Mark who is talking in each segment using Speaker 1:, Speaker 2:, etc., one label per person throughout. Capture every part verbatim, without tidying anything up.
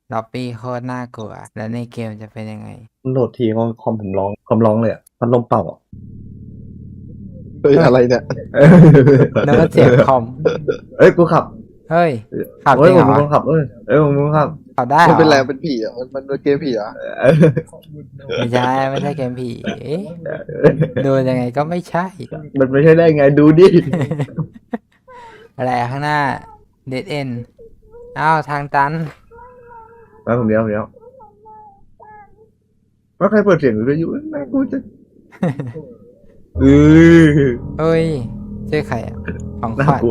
Speaker 1: ล็อบบี้โคตรน่ากลัวแล้วในเกมจะเป็นยังไง
Speaker 2: มันโหลดทีคอมคอมผมร้องคอมร้องเลยอ่ะพัดลมเป่าอ่ะ
Speaker 3: เฮ้ยอะไรเนี่ย
Speaker 1: นึกว่าเสียงคอม
Speaker 2: เอ้ยกูขับ
Speaker 1: เฮ้ยขับจ
Speaker 2: เอ้
Speaker 1: ริ
Speaker 2: ย
Speaker 1: ง
Speaker 2: ผ
Speaker 1: เหร
Speaker 2: ม
Speaker 1: อ
Speaker 2: เป็นคนขับเอ้ยเอ้ยผมเป็นคนขับ
Speaker 1: ขับได้เหร
Speaker 3: มัน
Speaker 1: อ
Speaker 3: เป็นแรงเป็นผีอ่ะมันมันเป็นเกมผีอ่ะ
Speaker 2: เออ
Speaker 1: ไม่ใช่ไม่ใช่เกมผีดูยังไงก็ไม่ใช่
Speaker 2: มันไม่ใช่ได้ไงดูดิ
Speaker 1: อะไรข้างหน้าเดดเอ็นอ้าวทางตัน
Speaker 2: มาผมเดียวผมเดียวว่าใครเปิดเสียงวิทยุน่ากูจะเออ
Speaker 1: เฮ้ยชื่อใครอ่ะของข
Speaker 2: น่า
Speaker 1: วัญ
Speaker 2: กลัว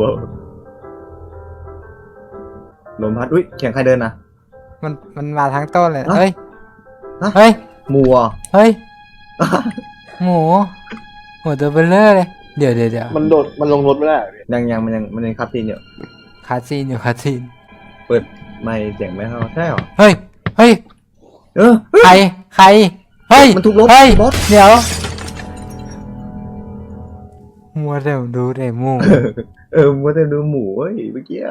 Speaker 2: ลมพัดอุ้ยเสียงใครเดินนะ
Speaker 1: มันมันมาทั้งต้นเลย
Speaker 2: ฮะ
Speaker 1: เฮ้ย
Speaker 2: ฮะ
Speaker 1: เฮ้ย
Speaker 2: มัว
Speaker 1: เฮ้ยหมูหมูตัวเบลเลอร์เลยเดี๋ยวเดี๋ยวเดี๋ยว
Speaker 3: มันโดดมันลงรถไม่ได้อะพี่
Speaker 2: ยังยังมันยังมันยังคับซีนอยู่
Speaker 1: คาซีนอยู่คาซีน
Speaker 2: เปิดไม่เสียงไม่เข้าใช่หรอ
Speaker 1: เฮ้ยเฮ้ย
Speaker 2: เออ
Speaker 1: ใครใครเฮ้ย
Speaker 2: มันทุบรถ
Speaker 1: เฮ้ย
Speaker 2: บอส
Speaker 1: เดี๋ยวมัวแต่ดูแต่หมู
Speaker 2: เออมัวแต่ดูหมูเว้ยเมื่อกี้อะ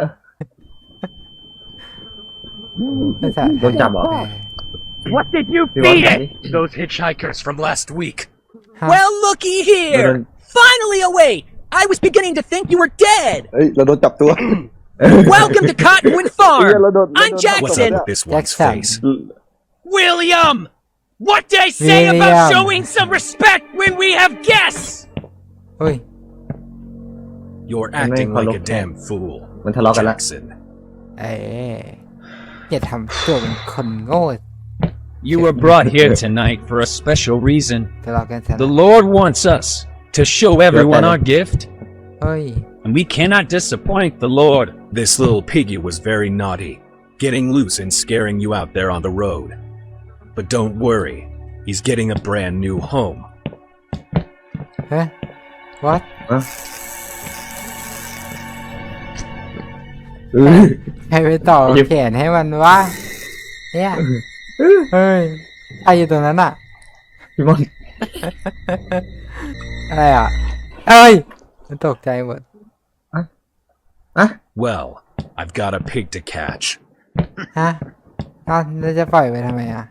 Speaker 2: โดนจับเหรอ
Speaker 4: What did you
Speaker 2: พี่บอส
Speaker 4: feed
Speaker 2: ไหน
Speaker 4: it? Those hitchhikers from last week.
Speaker 1: Huh?
Speaker 5: Well, looky here!
Speaker 2: Madam-
Speaker 5: Finally awake! I was beginning to think you were dead!
Speaker 3: เฮ้ยเราโดนจับตัว
Speaker 5: Welcome to Cottonwood
Speaker 3: เฮีย
Speaker 5: Farm!
Speaker 3: เราโดนเรา
Speaker 5: I'm
Speaker 3: โดน
Speaker 5: Jackson!
Speaker 4: What's up with this one's
Speaker 1: Jackson.
Speaker 4: face?
Speaker 5: William! What did I say
Speaker 1: William.
Speaker 5: about showing some respect when we have guests?
Speaker 1: เฮ้ย
Speaker 4: You're
Speaker 2: And
Speaker 4: acting
Speaker 2: then
Speaker 4: like a
Speaker 2: follow-
Speaker 4: damn fool,
Speaker 2: มันทะเลาะกันละ
Speaker 4: Jackson.
Speaker 1: เอ๊ะอย่าทำตัวเป็นคนโง่
Speaker 6: You were brought here tonight for a special reason.
Speaker 1: ทะเลาะกันซะ
Speaker 6: The Lord wants us to show everyone our gift,
Speaker 1: เฮ้ย
Speaker 6: and we cannot disappoint the Lord.
Speaker 4: This little piggy was very naughty, getting loose and scaring you out there on the road. But don't worry, he's getting a brand new home.
Speaker 1: เฮ้ย what
Speaker 2: อะเออ
Speaker 1: ใครไปต่อ
Speaker 2: ไอ้เหี้ย
Speaker 1: แขนให้มันวะเนี่ยเฮ้ยใครอยู่ตรงนั้นอ่ะ
Speaker 2: พี่มอน
Speaker 1: อะไรอ่ะ เอ้ยมันตกใจหมด
Speaker 2: อะ
Speaker 4: Well, I've got a pig to catch.
Speaker 1: ฮะเอ้าวแล้วจะปล่อยไปทำไมอ่ะ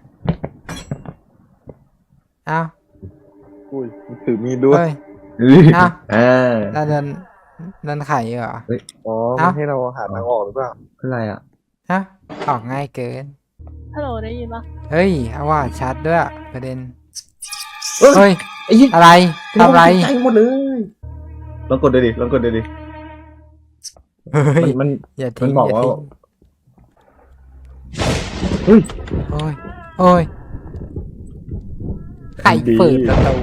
Speaker 1: เอ้าว
Speaker 3: อุ้ยมันถือมีดด้วย
Speaker 1: เฮ้ย
Speaker 2: เออ
Speaker 1: เอ้า
Speaker 2: อ่า
Speaker 1: แล้วเดินเดินไข่เหรอ
Speaker 3: อ๋อ
Speaker 1: เอ้า
Speaker 3: มันให้เราหาทางออกหรือเปล่า
Speaker 2: อะไรอ่ะ
Speaker 1: ฮะออกง่ายเกิน
Speaker 7: ฮัลโหลได้ยินปะ
Speaker 1: เฮ้ยเอาว่าชัดด้วยประเด็น
Speaker 2: เอ้ย
Speaker 1: เฮ้ย
Speaker 2: ไอ้ยี่
Speaker 1: อะไรทำอะไร
Speaker 2: ใจหมดเลยลองกดดูดิลองกดดูดิ
Speaker 1: เฮ้ย
Speaker 2: มันมัน
Speaker 1: อย่าทิ้ง
Speaker 2: มันบอก
Speaker 1: อย่า
Speaker 2: ว่า
Speaker 1: ทิ้ง
Speaker 2: เฮ้ย
Speaker 1: โอ้ยโอ้ยใครเปิดประตู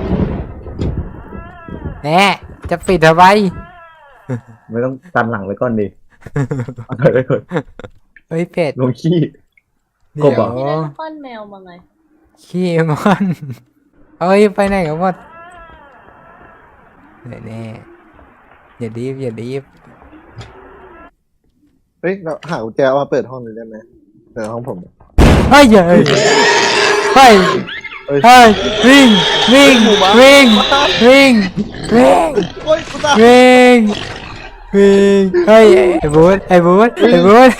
Speaker 1: แน่จะปิดทำไม
Speaker 2: ไม่ต้องตันหลังไว้ก่อนดิเอาไว้ก่อน
Speaker 1: เฮ้ยเป็ด
Speaker 2: ลงขี้
Speaker 1: เดี๋
Speaker 2: กบเหรอ
Speaker 1: ยว
Speaker 7: นี่ได้ป้อนแมวมาไง
Speaker 1: ขี้มันเอ้ยไปไหนกันหมดแน่แน่อย่าดีบอย่าดีบ
Speaker 3: เฮ้ยเราหากุญแจมาเปิดห้องนี้ได้ไหมเปิดห้องผม
Speaker 1: เฮ้ยเฮ้ยเฮ้ย
Speaker 3: เฮ้ย
Speaker 1: เฮ้ยวิ่งวิ่งวิ่งวิ่งวิ่ง
Speaker 3: โอ้ยกูตาย
Speaker 1: วิ่งวิ่งเฮ้ยไอ้บูธไอ้บูธไอ้บูธ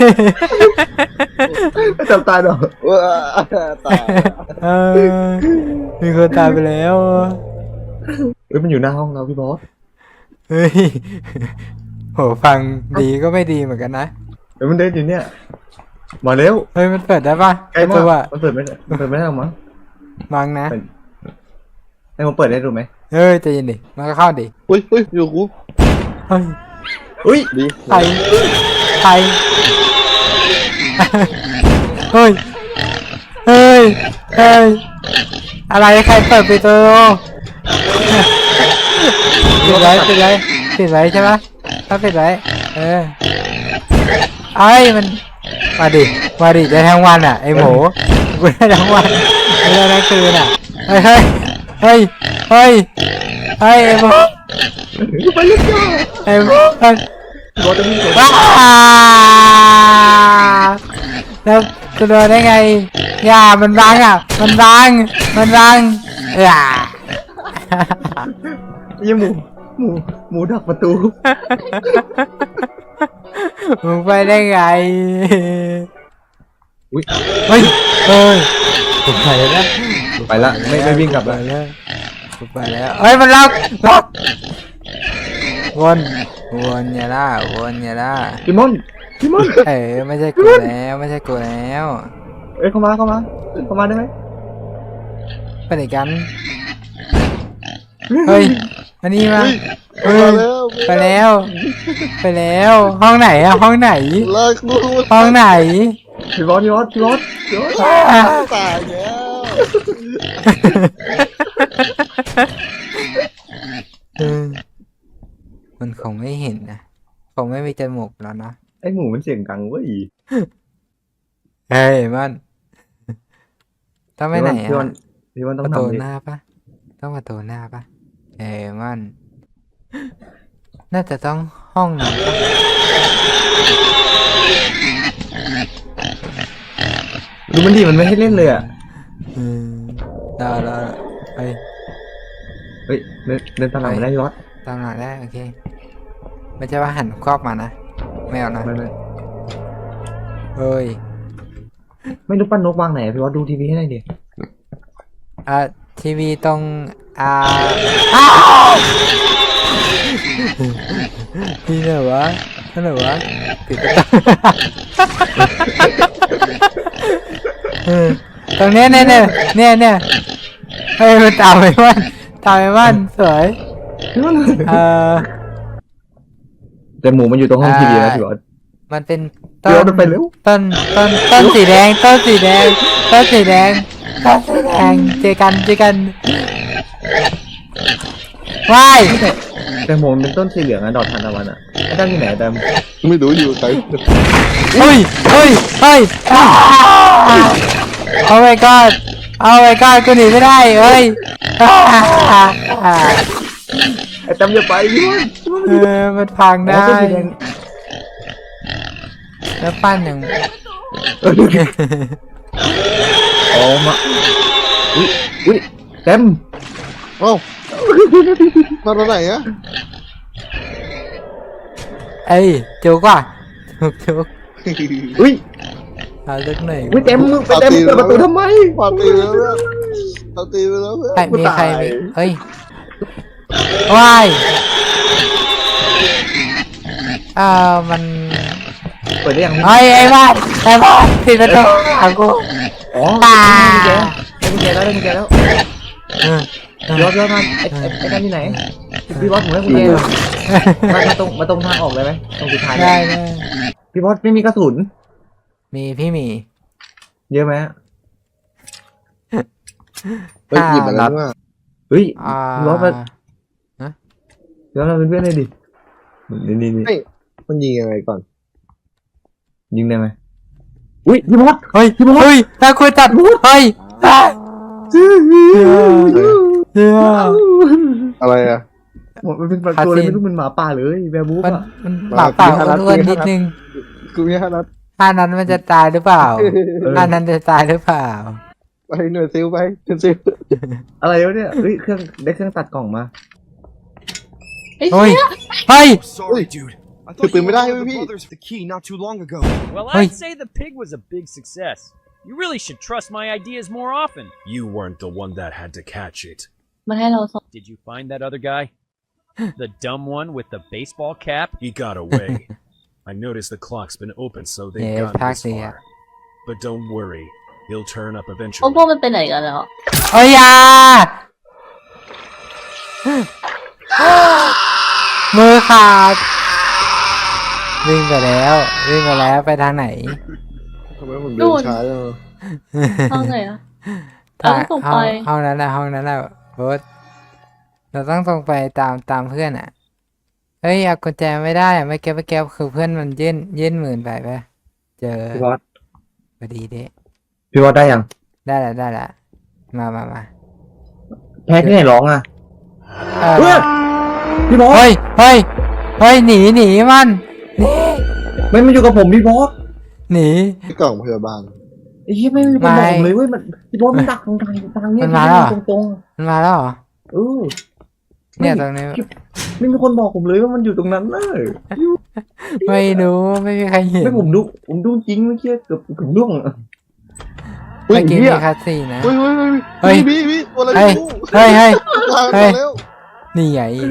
Speaker 2: ไม่จำตายหรอก
Speaker 3: ว้าตาย
Speaker 1: เออมีคนตายไปแล้ว
Speaker 2: เอ้ยมันอยู่หน้าห้องเราพี่บอส
Speaker 1: เฮ้ยโหฟังดีก็ไม่ดีเหมือนกันนะ
Speaker 2: เอ้ยมันเดินอยู่เนี่ยมาเร็ว
Speaker 1: เฮ้ยมันเปิดได้ปะ
Speaker 2: ใกล้
Speaker 1: ประ
Speaker 2: มา
Speaker 1: ตู
Speaker 2: ก
Speaker 1: อะ
Speaker 2: มันเปิดไม่ได้มันเปิดไม่ได้หรอกมั้ง
Speaker 1: มังนะ
Speaker 2: ให้มันเปิดได้ดูไหม
Speaker 1: เฮ้ยใจเย็นดิมันก็เข้าดิ
Speaker 3: อุ้ยอุ้ยอยู่กู
Speaker 1: เฮ้ย
Speaker 2: อุ้ย
Speaker 3: ดี
Speaker 1: ใครใครเฮ้ยเฮ้ยเฮ้ยอะไรใครเปิดประตูปิดไว้ปิดไว้ปิดไว้ใช่ปะถ้าปิดไว้เออไอ้ยมันมาดิมาดิได้ทั้งวันอ่ะไอหมูกูได้ทั้งวันไม่ได้ทั้งคืนอ่ะเฮ้ยเฮ้ยเฮ้ยเฮ้ยเฮ้ยไอหมู
Speaker 2: ไปเลยจ้า
Speaker 1: ไอหมูเฮ้ย
Speaker 2: บอสจะวิ่ง
Speaker 1: ว้าแล้วกูโดนได้ไงอย่ามันบังอ่ะมันบังมันบังอย่า
Speaker 2: ยี่หมูหมูหมูดักประตู
Speaker 1: มึงไปได้ไง
Speaker 2: อุ้ย
Speaker 1: เฮ้ยเฮ้ยผมไปแล้ว
Speaker 2: ไปละไม่ไม่วิ่งกลับ
Speaker 1: ไป
Speaker 2: ละ
Speaker 1: แล้วผมไปแล้วเฮ้ยมันล็อกล็อกวนวนอย่าล่าวนอย่าล่า
Speaker 2: พี่มอนพี่มอน
Speaker 1: เอ้ยไม่ใช่กูแล้วไม่ใช่กูแล้ว
Speaker 2: เอ้ยเข้ามาเข้ามาเข้ามาได้ไหม
Speaker 1: ไปไหนกันเฮ้ยอันนี้มา
Speaker 3: เฮ้ย
Speaker 1: เฮ้
Speaker 3: มาย แล้ว
Speaker 1: ไปแล้ว ไปแล้ว ห้องไหนอะห้องไหน
Speaker 3: เลิกดู
Speaker 1: ห้องไหน
Speaker 2: พี่บอสพี่บอสพี่บอสพี่บอส
Speaker 3: ตายแล้ว
Speaker 1: เออมันคงไม่เห็นนะคงไม่มีจมูกแล้วนะ
Speaker 2: ไอหมูมันเสียงดังเว้ย
Speaker 1: เฮ้ยมันต้องไปไหน
Speaker 2: พี่บอล
Speaker 1: อะ
Speaker 2: พี่บอลต้
Speaker 1: ป
Speaker 2: อง
Speaker 1: ระตู
Speaker 2: ทำดิ
Speaker 1: หน้าปะต้องประตูหน้าปะเอ้ยมัน น่าจะต้องห้องนั้นปะ
Speaker 2: ดูมันดีมันไม่ให้เล่นเลยอ่ะ
Speaker 1: อืมได้ได้เฮ้ย
Speaker 2: เฮ้ยเดินเดินตามหลังมาได้พี่บอส
Speaker 1: ตามหลังได้โอเคไม่ใช่ว่าหันครอบมานะไม่เอานะ
Speaker 2: ไม่ไม่
Speaker 1: เฮ้ย
Speaker 2: ไม่รู้ปั้นนกวางไหนอะพี่บอสดูทีวีให้หน่อยดิ
Speaker 1: อ่าทีวีตรงอ่าอ้าวนี่ไหนวะนั่นไหนวะปิดประตูเออตรงเนี้ยเนี่ยเนี่ยเนี่ยเนี่ยเฮ้ยมันตามไปบ้านตามไปบ้านสวยเออ
Speaker 2: แต่หมูมันอยู่ตรงห้องทีวีนะพี่บอส
Speaker 1: มันเป็น
Speaker 2: เดี๋ยวมันไปเร็ว
Speaker 1: ต้นต้นต้นสีแดงต้นสีแดงต้นสีแดงต้นสีแดงเจอกันเจอกันว้าย
Speaker 2: แต่หมูมันเป็นต้นสีเหลืองอะดอกทานตะวันอะไอ้ด้านที่ไหนแต่
Speaker 3: ไม่รู้อยู่ใคร
Speaker 1: เฮ้ยเฮ้ยเฮ้ยโอ้ my god โอ้ my god กูหนีไม่ได้เฮ้ย
Speaker 2: ไอ้แต้มอย่าไปพี่บอส
Speaker 1: เออมันพัง
Speaker 2: อ๋อ
Speaker 1: ได้
Speaker 2: ต้นสีแดง
Speaker 1: แล้วปั้นอย่าง
Speaker 2: อ๋อมาอุ้ยอุ้ยแต้ม
Speaker 3: เอ้ามาตอนไหนอะ
Speaker 1: เอ้ยจุกว่ะจุกจุก
Speaker 2: อุ้ย
Speaker 1: เอาลึกหน่อย
Speaker 2: อุ้ยแต้มมึงไปแต้มมึงเปิดประตูทำไม
Speaker 3: ปาตีไปแล้วเนี่ยปาตีไปแล้วเนี่ย
Speaker 1: ใครมีใคร
Speaker 2: กูตาย
Speaker 1: มีเฮ้ยว้ายอ่ามัน
Speaker 2: เปิดได้ยัง
Speaker 1: เฮ้ยไอ้บ้านไอ้บ้านปิดประตูขังกู
Speaker 2: อ๋อ
Speaker 1: ตา
Speaker 2: ได้กุญแจได้กุญแจแล้วได้กุญแจแล้ว
Speaker 1: เออ
Speaker 2: พี่บอสพี่บอสมาไอ้ไอ้ไอ้ด้านที่ไหนพี่บอสผมให้กุญแจมามาตรงมาตรงทางออกเลยไหมตรงสุดท้าย
Speaker 1: ได้ได้
Speaker 2: พี่บอสไม่มีกระสุน
Speaker 1: มีพี่หมี
Speaker 2: เยอะไหม
Speaker 3: ไปหยิบมาแล้วว่า
Speaker 2: เฮ้ย
Speaker 1: อ่า
Speaker 2: พี่บอสมาพี่บอสมาเป็นเพื่อนเลยดินี่นี่นี่
Speaker 3: มันยิงยังไงก่อน
Speaker 2: ยิงได้ไหมอุ้ยพี่บอส
Speaker 1: เฮ้ยพี่เฮ้ยตาคุยจัดเฮ้ยอ่ะเดี๋ยว
Speaker 3: อะไรอะ
Speaker 2: มันเป็นตัวอะไรไม่รู้มันหมาป่าเลยแวร์บูฟ
Speaker 1: มัน
Speaker 2: อ่ะ
Speaker 1: มันปากเปล่าอ้วนๆนิดนึง
Speaker 3: กูมีห้านัด
Speaker 1: ท่านั้นมันจะตายหรือเปล่าท่านั้นจะตายหรือเปล่า
Speaker 3: ไปหน่วยซิลไปหน่วยซิล
Speaker 2: อะไรวะเนี่ยเฮ้ยเครื่องได้เครื่องตัดกล่องมา
Speaker 7: ไอ้
Speaker 1: เฮ้ย
Speaker 7: เหี้ย
Speaker 1: เฮ้ย
Speaker 5: Sorry, dude. I
Speaker 3: คือ
Speaker 5: thought
Speaker 3: ปืน
Speaker 5: you
Speaker 3: ไม่ได้
Speaker 5: were one
Speaker 3: เว้
Speaker 5: of
Speaker 3: ย
Speaker 5: the
Speaker 3: พี่
Speaker 5: brothers with the key not too long ago. Well,
Speaker 1: Hey.
Speaker 5: I'd say the pig was a big success. You really should trust my ideas more often.
Speaker 4: You weren't the one that had to catch it.
Speaker 7: มันให้เราส่ง
Speaker 5: Did you find that other guy? The dumb one with the baseball cap?
Speaker 4: He got away. I noticed the clock's been open, so they've
Speaker 1: Yeah,
Speaker 4: gotten this
Speaker 1: taxi, yeah.
Speaker 4: far. But don't worry, he'll turn up
Speaker 7: พวก
Speaker 4: eventually.
Speaker 7: พวกมันไปไหนกันแล้ว
Speaker 1: เฮ้ยอยามือขาดวิ่งไปแล้ววิ่งไปแล้วไปทางไหน
Speaker 3: ทำไมผมเดินช้าจังวะ
Speaker 7: ห้องไหนอะ
Speaker 1: ทาง
Speaker 7: เราต้อง
Speaker 1: ห้
Speaker 7: ไป
Speaker 1: องห้องนั้นแหละห้องนั้นแหละโบสเราต้องตรงไปตามตามเพื่อนอ่ะเฮ้ยเอากุญแจไม่ได้อะไม่แก้ไม่แก้คือเพื่อนมันยื่นยื่นหมื่นไปปะเจอ
Speaker 2: พี่บอส
Speaker 1: พอดีเด้
Speaker 2: พี่บอสได้ยัง
Speaker 1: ได้ละได้ละมามามา
Speaker 2: แพ้ที่ไหนร้องอ่ะ
Speaker 1: เออ
Speaker 2: เฮ้ยพี่บอส
Speaker 1: เฮ้ยเฮ้ยเฮ้ยหนีหนีมันหนี
Speaker 2: ไม่มาอยู่กับผมพี่บอส
Speaker 1: หนี
Speaker 3: ที่กล่องพยาบาล
Speaker 2: ไอ้เหี้ยไม่มีคนบอกผมเลยเว้ยมันพี่บอสมันดักตรงทางทางเนี้ยตรงตรง
Speaker 1: มันมาแล้วเหรอ
Speaker 2: ๆเออ
Speaker 1: เนี่ยตรงนี้
Speaker 2: ไม่มีคนบอกผมเลยว่ามันอยู่ตรงนั้นเลย
Speaker 1: ไม่รู้ไม่มีใครเห็น
Speaker 2: ไม่ผมดูผมดูจริงเมื่อกี้เกือบผมร่วงอะ
Speaker 3: อุ้ย
Speaker 1: เมื่อกี้
Speaker 3: เฮี
Speaker 1: มี
Speaker 3: ย
Speaker 1: คัสซีนนะ
Speaker 3: เฮ้ยเฮ้ย
Speaker 1: เฮ้
Speaker 3: เฮ้
Speaker 1: ย
Speaker 3: ยพี่พี่ตัวอะไร
Speaker 1: เฮ้ย
Speaker 3: ไม่รู้
Speaker 1: เฮ้ยเฮ้ย
Speaker 3: มา
Speaker 1: เฮ้ย
Speaker 3: มาแล้ว
Speaker 1: นี่ไง
Speaker 3: ยิง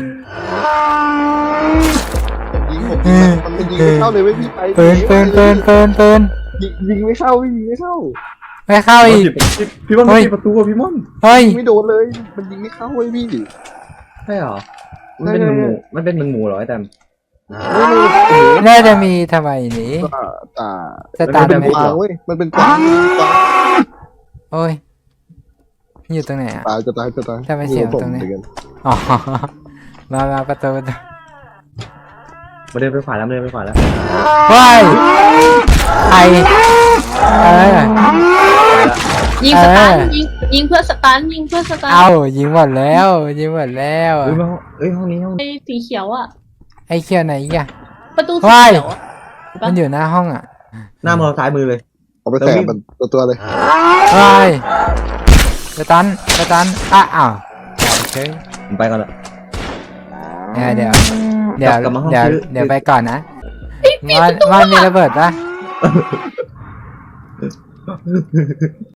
Speaker 3: ผมยิงมันมันยิงไม่เข้าเลยเว้ยพี่ไป
Speaker 1: ปืนปืนปืนปืนปืน
Speaker 3: ยิงยิงไม่เข้าพี่ยิงไม่เข้า
Speaker 1: ไม่เข้าอีก
Speaker 2: พี่ม่อน
Speaker 1: เฮ้ย
Speaker 2: ปิดประตูอะพี่ม่อน
Speaker 1: เฮ้ย
Speaker 3: ยิงไม่โดนเลยมันยิงไม่เข้าเว้ยพี่
Speaker 2: ใช่เหรอมันเป็นมันหมูมันเป็นมันหมูเหรอไอ้แตม
Speaker 3: ไม่รู้โอ้โห
Speaker 1: น่าจะมีทำไมหนี
Speaker 3: ตาตา
Speaker 1: สตาร์ท
Speaker 3: เป็น
Speaker 1: ไหม
Speaker 3: กวางเว้ยมันเป็นกวางกวาง
Speaker 1: โอ้ยอยู่ตรงไหนอ่ะ
Speaker 3: ตายจะตายจะตาย
Speaker 1: ทำไมเสียงตรงนี้
Speaker 3: ผมเหมือกั
Speaker 1: อ๋อมามาประตูประตู
Speaker 2: มาเดินไปขวาแล้วมาเดินไปขวาแล้ว
Speaker 1: ว้ายใครเออ
Speaker 7: ยิงสตัน
Speaker 1: เออ
Speaker 7: ยิงยิงเพื่อสตันยิงเพื่อสตัน
Speaker 1: เอายิงหมดแล้วยิงหมดแล้ว
Speaker 2: เอ้ยมาห้องเอ้ยห้องนี้ห้องนี้
Speaker 7: ไอ้สีเขียวอ่ะ
Speaker 1: ไอ้เขียวไหนอีกอะ
Speaker 7: ประตูสี
Speaker 1: ว้าย
Speaker 7: เขียวอะ
Speaker 1: มันอยู่หน้าห้องอ่ะ
Speaker 2: หน้ามองซ้ายมือเลย
Speaker 3: เอาไปแตะมันตัวตัวเลย
Speaker 1: ว้ายสตันสตันอ่ะอ้าวโอเค
Speaker 2: ผมไปก่อนละ
Speaker 1: เดี๋ยวเดี๋ยวเดี๋ยว
Speaker 2: กลับมาห้อง
Speaker 1: เดี๋ยว
Speaker 2: ชื่อ
Speaker 1: เดี๋ยวไปก่อนนะมันมันมีระเบิดปะ